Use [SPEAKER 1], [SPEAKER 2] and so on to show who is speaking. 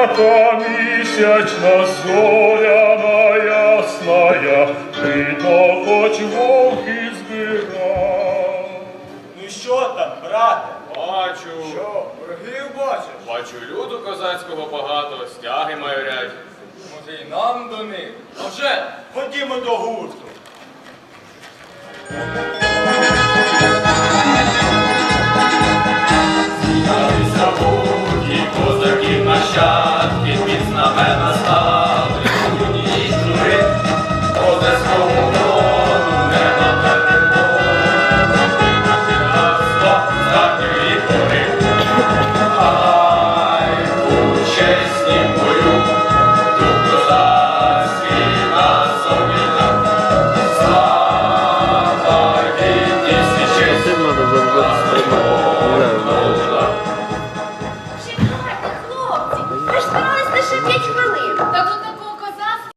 [SPEAKER 1] та місячна зоряна ясная, видно, хоч вовки збирав.
[SPEAKER 2] Ну що там, брате?
[SPEAKER 3] Бачу.
[SPEAKER 2] Що, ворогів бачиш?
[SPEAKER 3] Бачу, люду козацького багато, стяги майорять.
[SPEAKER 2] Може і нам до них? А вже, ходімо до гурту.
[SPEAKER 3] Зібралися буті, козаків нащадки, під знамена стали, юні жури, козацькому роду не дотерпіло, наше братство здатної пори. Хай у чеснім бою, дух козацький на собі нам, слава, гідність і честь.
[SPEAKER 4] Чекайте, хлопці, ви ж збирались лише 5 хвилин.
[SPEAKER 5] Та тут